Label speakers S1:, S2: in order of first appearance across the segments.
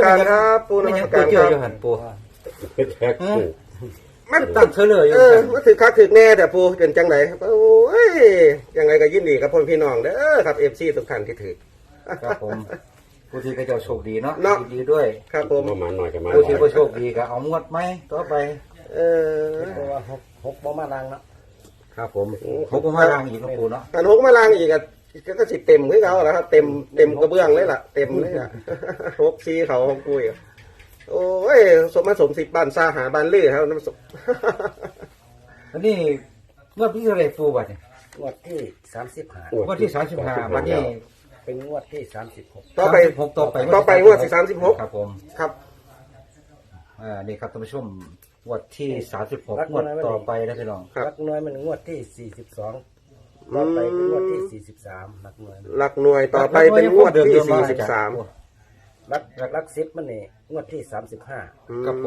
S1: การครับปูนมัสการครับ
S2: หันปู
S3: เป็นแท็กซี่
S1: มัน
S2: ตั้งเฉลยอยู่
S1: มันถือคักถือแน่แต่ปูเป็นจังไหนครับโอ้ยยังไงก็ยินดีกับพ่อพี่น้องเด้อครับFCทุกท่านที่ถือ
S2: ครับผมผู้ที่ก็จะโชคดีเนาะ
S1: เนาะ
S2: ดีด้วย
S1: ครับผม
S3: ประมาณหน่อยกับมา
S2: ผู้ที่ก็โชคดีก็เอางวดไหมต่อไป
S1: เออ
S4: เพราะว่าหกบ่มาลังเนาะ
S2: ครับผมผมก็มาล้างอีกนะปูเนาะ
S1: กันหกมาล้างอีกอ่ะก็สิเต็มคือเขาแล้วครับเต็มกระเบื้องเลยล่ะเต็มเลยอ่ะ หกซีเขาของปุ้ยอะโอ้ยสมมาสมสิบบ้านซาหาบ้านลื่อครับน้ำสม
S2: อันนี้งวดที่เท่าไหรปูบัดเนี่ย
S4: งวดที่35
S2: งวดที่35วันนี้
S4: เป็นงวดที่36
S1: ต่อไป
S2: 36ต่อไป
S1: งวดที่36
S2: ครับผม
S1: ครับ
S2: นี่ครับท่านผู้ชมงวดที่36งวดต่อไปนะพี่น้อง
S1: ครับ
S4: หลักน้อยมันงวดที่42ต่อไปเป็นงวดที่43หลักน้อย
S1: หลักหน่วยต่อไปเป็นงวดที่43
S4: หลัก10มันนี่งวดที่35
S2: ครับผม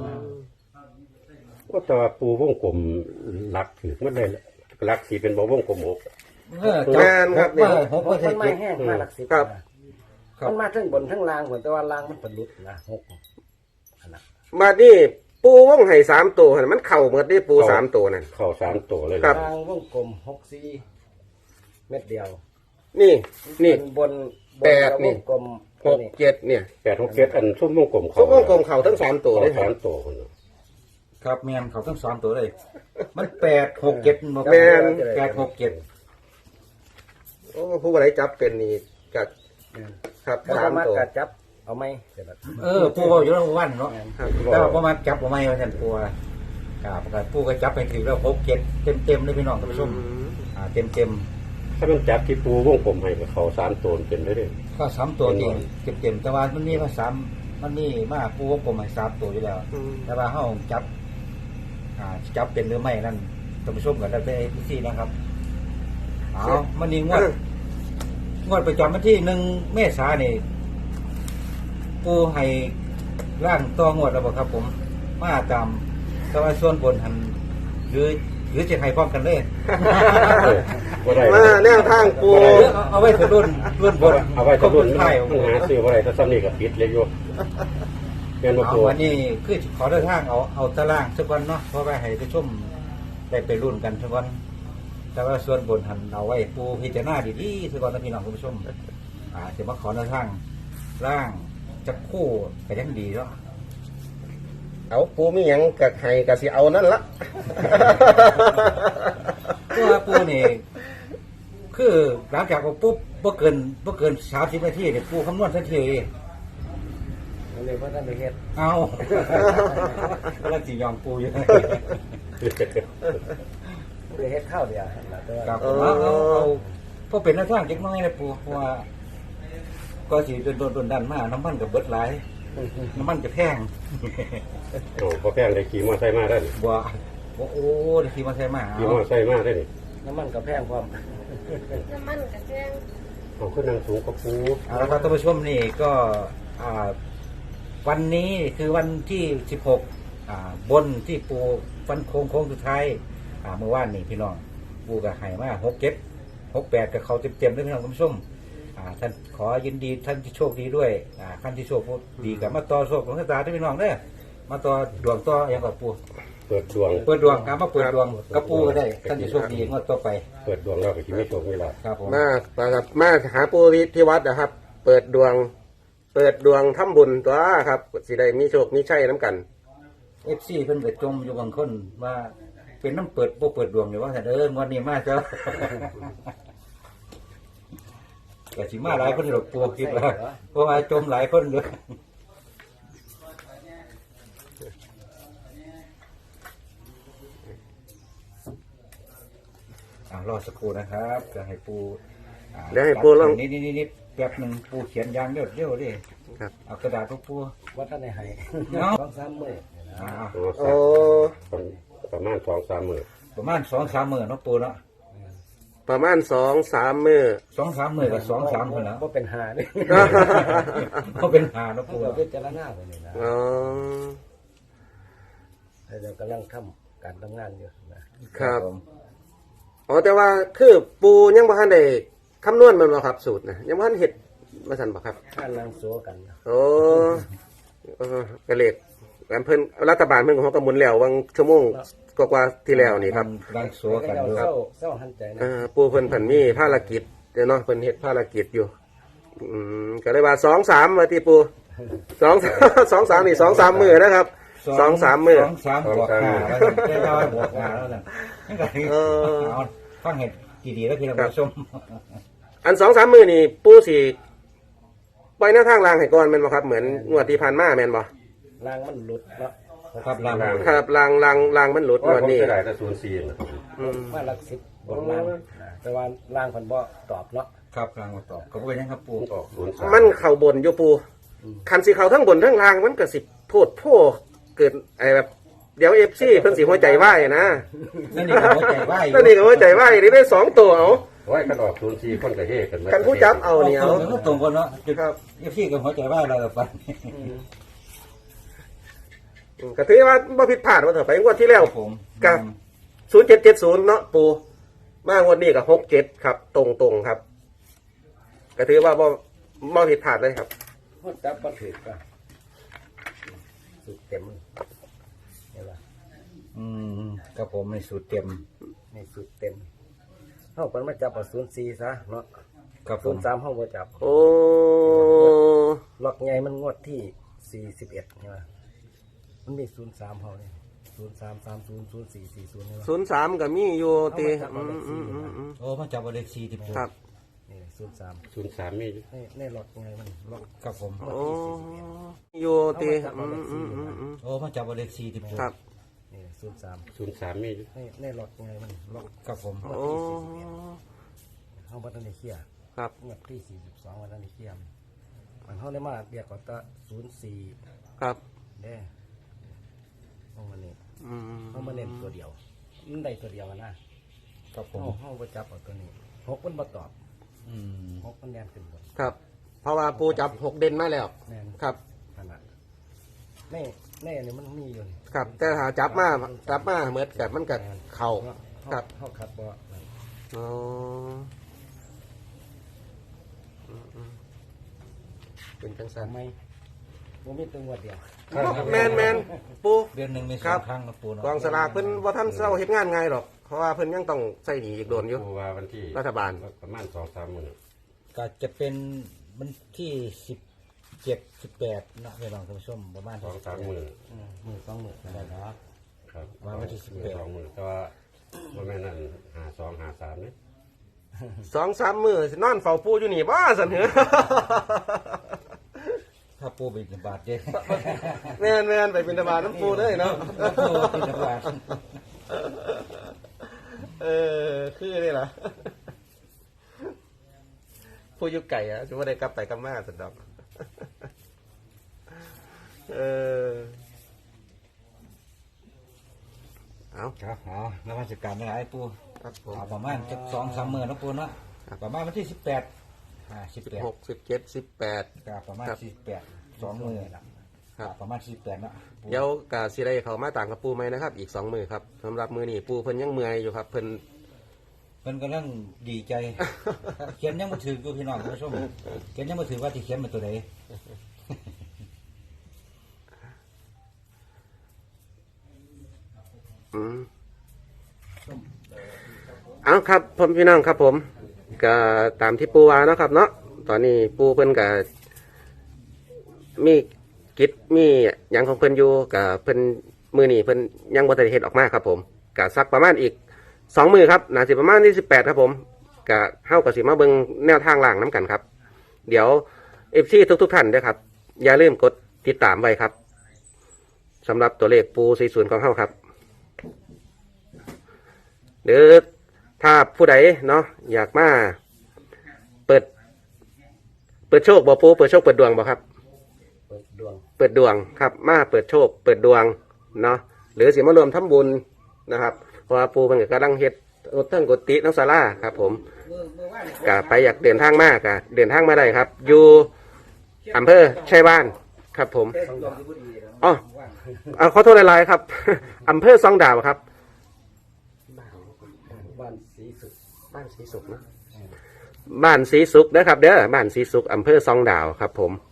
S3: ว่าแต่ว่าปูวงกลมหลักถือมันได้หลักสีเป็นบ่วงกลมหก
S1: แม่นครับนี่
S2: หก
S4: มั
S2: เจ็ด
S4: นไม่แห้งมาหลัก10
S1: ครับ
S4: มันมาทั้งบนทั้งล่างเหมือนแต่ว่าล่างมันเป็นลุดนะ6อันนั้น
S1: มานี่ปูว่องไห่3ตัวหั่นมันเข่าหมดนี่ปู3ตัวนั่น
S3: เข้าสามตัวเลย
S1: ครับ
S4: ล่างวงกลม64เม็ดเดียว
S1: นี่นี่
S4: บน
S1: แปดนี่
S4: วงกลม
S1: 6 7เนี่ย
S3: 8 6 7อันชุ่มวงกลม
S1: ซุปวงกลมเข่าทั้ง3ตัว
S3: เข้า
S1: เลย
S3: สามตัวคนเนาะ
S2: ครับแมนเขาต้องสอนตัวเลย มัน8 6 7
S1: แม่น
S2: 8 6 7
S1: โอ้ผู้บริจับเป็นนี่กัครับ
S4: ถ้า
S1: สาม
S4: มา
S1: ตัว
S4: กัดจับเอาไหมเสร็จแล้ว
S2: ปูบอกอยู่แล้ววันเนาะ
S1: ครับ
S2: แต่ว่าประมาณจับประมาณว่าท่านปูกับปูก็จับไปถือแล้ว6 7เต็มเลยพี่น้องท่านผู้ชมเต็ม
S3: ถ้ามันจับที่ปูวงกลมให้ก็เข้าสามตัวเป็นได้เลย
S2: ก็3ตัวจริงเต็มแต่ว่ามันนี่มา3มันนี่มาปูวงกลมให้3ตัวอยู่แล้ว แต่ว่าเฮาจับเป็นหรือไม่นั่นท่านผู้ชมก็แล้วแต่ที่นะครับเอามันนี่งวดประจำวันที่1 เมษายนนี่ปูให้ร่างต่องวดแล้วบ่ครับผมมาตามแต่ว่าส่วนบนหันหรือจะให้พร้อมกันเลย
S3: บ่ได้
S1: มาแนวทางปู
S2: เอาไว้ถึงรุ่นบน
S3: เอาไว้ตัวรุ่น
S2: ไทย
S3: มันหาซื้อบ่ได้ถ้าซ้ำนี่ก็ปิดเลยโยแม่นบ่
S2: เอา
S3: ปู
S2: วันนี้คือขอเดินทางเอาตารางสักวันเนาะเพราะว่าให้ไปชมได้ไปรุ่นกันสักวันแต่ว่าส่วนบนหันเอาไว้ปูพิจารณาดีๆสักวันนะพี่น้องคุณผู้ชมจะมาขอเดินทางร่างจะคู่ไปยังดีเนาะ
S1: เอาปูมีหยังกับไห้กับสิเอานั่นละ
S2: เพราะว่าปูนี่คือหลังจากเอาปุ๊บบ่เกิน30 นาทีเนี่ยปูคำนวณทันที
S4: มันเลยว่าท่านไปเฮ็ด
S2: เอาแล้วสิยอมปูอยู่
S4: ไปเฮ็ดข้าวเดียวหั่นล่ะแต่ว่า
S2: ครับเอาพอเป็นหน้าทางเล็กน้อยนะปูเพราะว่าก็สิโดนดันมาน้ำมันกับเบิดหลายน้ำมันจะแพง
S3: โอ้พอแป้งได้ขี่มอไซค์มาได้นี่
S2: บัวโอ้ได้ขี่มาใช่มา
S3: ขี่มอไซค์มาได้นี่
S4: น้ำมันก็แพงพร้อม
S5: น้ำมันกระเทียม
S3: เอาขึ้นนางสูงกับปู
S2: เอาละครับท่านผู้ชมนี่ก็วันนี้คือวันที่16บนที่ปูฟันโค้งสุดท้ายเมื่อวานนี่พี่น้องปูกับไห่มา6 7 6 8กับเขาเต็มๆด้วยพี่น้องท่านผู้ชมท่านขอยินดีท่านที่โชคดีด้วยท่านที่โชคดีกับมาต่อโชคของชะตาด้วยพี่น้องเด้อมาต่อดวงต่ออย่างกับปู
S3: เปิดดวง
S2: เปิดดวงครับมาเปิดดวงกับปูก็ได้ท่านจะโชคดีงวดต่อไป
S3: เปิดดวงเราก็สิมีโชคมีลาภ
S2: ครับผม
S1: มาครับมาหาปูที่วัดนะครับ เปิดดวงทำบุญตัวครับสิได้มีโชคมีชัยน้ำกัน
S2: FC เพิ่นก็จมอยู่บางคนว่าเป็นน้ำเปิดบ่เปิดดวงอยู่ว่าแต่งวดนี้มาเจ้า ก็สิมาหลายคนหรอกปูคิดว่าเพราะว่าจมหลายคนอยู่รอสักครู่นะครับจะให้ปู
S1: เดี๋ยวให้ปูลอง
S2: นี่แป๊บหนึ่งปูเขียนยางเร็วดิ
S1: ครับ
S2: เอากระดาษพวกปู
S4: ว่าท่านได้ให้
S2: เนาะ
S4: 2-3มื้อ
S1: โอ้
S3: ประมาณ2-3 มื้อ
S2: ประมาณ2-3 มื้อเนาะปูเนาะ
S1: ประมาณ2-3 มื้อ
S2: 2-3 มื้อกับ2-3คนนะ
S4: บ่เป็นหาเด้
S2: เขาเป็นหาเนาะ
S4: ปู
S2: ปู
S4: ก็พิจารณาไปนี่นะ
S1: อ๋อ
S4: เดี๋ยวกำลังทำการทำงานอยู่นะครับ
S2: ผม
S1: อ๋อแต่ว่าคือปูยังบ่ทันได้คำนวณมันบ่ครับสูตรนะยังบ่ทันเฮ็ดมาสั่นบ่ครับ
S4: ท่านนั่งโซกันนะ
S1: โอ้กระเลกเพิ่นรัฐบาลเพิ่นของเขาก็หมุนแล้ววังชั่วโมงกว่าๆที่แล้วนี่ครับ
S2: รังสัวกันอยู่
S4: เศร้าหันใจนะ
S1: ปูเพิ่นเพิ่นมีภารกิจเนาะเพิ่นเฮ็ดภารกิจอยู่ก็เลยว่า2-3ว่าที่ปู2-3นี่2-3มื้อนะครับ2-3มื้อ
S2: 2-3บวก5แล้วได้ร้อยบวก5แล้วนั่นเอาฟังเห็ดดีๆแล้วพี่น้องผู้ชม
S1: อัน2-3มื้อนี่ปูสิปล่อยแนวทางรางให้ก่อนแม่นบ่ครับเหมือนงวดที่ผ่านมาแม่นบ่
S4: ลางมันหลุดเนาะ
S2: ครับลาง
S1: ครับรางมันหลุด
S3: เพราะ
S1: งว
S3: ว่า
S1: ด
S3: ผม
S1: นี้
S3: จะได้แต่04นะครับ
S4: มาหลัก10บนลางแต่ว่าลางเพิ่นบ่ตอบเนาะ
S2: ครับลางมาตอบก็เป็นยังครับปู
S3: ออก03
S1: มันเข้าบนอยู่ปูคันสิเข้าทั้งบนทั้งล่างมันก็สิโพดโพเกิดไอ้แบบเดี๋ยว FC เพิ่นสิหัวใจวายนะ
S2: นั่นนี่ก็หัวใจไหว
S1: นั่นนี่ก็หัวใจวายนี่ได้2ตัวเอา
S3: ไว้กันออก04คนก็เฮกัน
S1: กันผู้จับเอานี่เอา
S2: ตรงกันเนาะ
S1: ครับ
S2: พี่กับหัวใจไหวเรากับฟัน
S1: ก็ถือว่าบ่ผิดพลาดว่าเถอะไปงวดที่แล้ว
S2: ผม
S1: กับ 0770เนาะปูมางวดนี้ก็67ครับ ตรงๆครับก็ถือว่าบ่ผิดพลาดเลยครับ
S4: ฮอดจับบ่ถูกก็สุดเต็มเห็นบ่
S2: กับผมในสูตรเต็ม
S4: นี่สุดเต็มเฮาเพิ่นมาจับเอา04ซะเนาะ
S2: กับผม
S4: 03เฮาบ่จับ
S1: โอ้
S4: ล็อกใหญ่มันงวดที่41ใช่ไหมมันมี03เฮาเนี่ย03300440ใช่ไหม
S1: 03ก็มีอยู่ติ
S2: โอ้มาจับเลข4ที่ปู
S1: ครับ
S4: นี่03
S3: 03มีอยู่
S4: นี่ล็อกใหญ่มันล็อก
S2: กับผม
S1: โอ้อยู่ติ
S2: โอ้มาจับเลข4ที่ปู
S1: ครับ
S4: นี่03
S3: 03มีอยู่
S4: นี่ล็อกใหญ่มันล็อก
S2: กับผม
S1: โอ้
S4: เฮาบ่ทันได้เคลียร์
S1: ครับ
S4: งวดที่42วันนั้นได้เคลียร์มันเฮาได้มาเรียกว่าตะ04
S1: ครับ
S4: เด้เฮามานี่
S1: อืม
S4: เฮามาเน้นตัวเดียวมันได้ตัวเดียวอะนะครับ
S2: ผม
S4: เฮาบ่จับเอาตัวนี้6มันบ่ตอบ
S2: อืม
S4: 6มันแนนขึ้นบน
S1: ครับ เพราะว่าปูจับ6เด่นมาแล้ว
S4: แน่น
S1: ครับ
S4: ขนาดแน่นี่มันมีอยู่นี่
S1: ครับ แต่ถ้าจับมาเหมือนกับมันกับเข่าครับ
S4: เฮาขัดบ่นั่น
S1: อ๋อเป็นจังสัน
S4: ทำไมบ่มีตัวงวดเดียว
S1: แมนปู
S2: เดือนหนึ่งมี
S1: ครั
S2: 2
S1: บ
S2: ครั้งนะปูเนาะ
S1: กองสลากเพิ่นว่าท่านเศร้าเฮ็ดงานไงหรอก เพราะว่าเพิ่นยังต้องใส่หนีอีกโดนอยู่
S3: ผู้ว่าวันที่
S1: รัฐบาล
S3: ประมาณ2-3มื้อ
S2: ก็จะเป็นวันที่17 18นะพี่น้องท่านผู้ชมประมาณ
S3: 2-3มื้อ
S4: มือสองมือได้เนาะ
S3: ครับ
S2: ว่าวันที่18
S3: 2มื้อแต่ว่าบ่แม่นนั่น52 53นี่
S1: 2-3 มื้อนอนเฝ้าปูอยู่นี่บ่สันเหรอ
S2: ถ้าปูบินบาทเด้
S1: แม่นไปบิณฑบาตน้ำปูเลยเนาะ
S2: ปูบินบาท
S1: คือนี่ล่ะผู้อยู่ไก่อะจะว่าได้กลับไปกลับมาสันดอกเอา
S2: ครับเอาแล้วราชการไม่หลายปู
S1: ครับผม
S2: เอาประมาณจะ2-3มื้อนะปูเนาะประมาณวันที่18 18
S1: 16 17 18
S2: ก็ประมาณ
S1: ครับ
S2: 48 2มื้อละ
S1: ครับ
S2: ประมาณ48นะปู
S1: เดี๋ยวกาสิได้เขามาต่างกับปูไหมนะครับ อีก2 มือครับสำหรับมือนี่ปูเพิ่นยังเมื่อยอยู่ครับ เพิ่น
S2: เพิ่นกำลังดีใจ เขียนยังบ่ถือกูพี่น้องท่านผู้ชมเขียนยังบ่ถือว่าสิเขียนเป็นตัวใด
S1: เอาครับผมพี่น้องครับผมก็ตามที่ปูว่าเนาะครับเนาะตอนนี้ปูเพิ่นก็มีกิจมีหยังของเพิ่นอยู่กับเพิ่นมือนี่เพิ่นยังบ่ทันได้เฮ็ดออกมาครับผมก็สักประมาณอีก2 มือครับน่าสิประมาณที่18ครับผมก็เฮาก็สิมาเบิ่งแนวทางล่างน้กันครับ เดี๋ยว FC ทุกท่านด้วยครับอย่าลืมกดติดตามไว้ครับสำหรับตัวเลขปู40ของเฮาครับหรือถ้าผู้ใดเนาะอยากมาเปิดโชคบ่ปูเปิดโชคเปิดดวงบ่ครับ
S4: เปิดดวง
S1: เปิดดวงครับมาเปิดโชคเปิดดวงเนาะหรือสิมารวมทำบุญนะครับเพราะว่าปูมันก็กำลังเฮ็ดเทั้งกุฏิทั้งศาลาครับผมก็ไปอยากเดินทางมากก็เดินทางมาได้ครับ อยู่อำเภอชัยบ้านครับผมอ๋อขอโทษหลายๆครับ อำเภอซองดาวครับ
S4: บ้านสีสุข
S1: บ้านสีสุขนะบ้านสีสุขนะครับเด้อบ้านสีสุขอำเภอซองดาวครับผม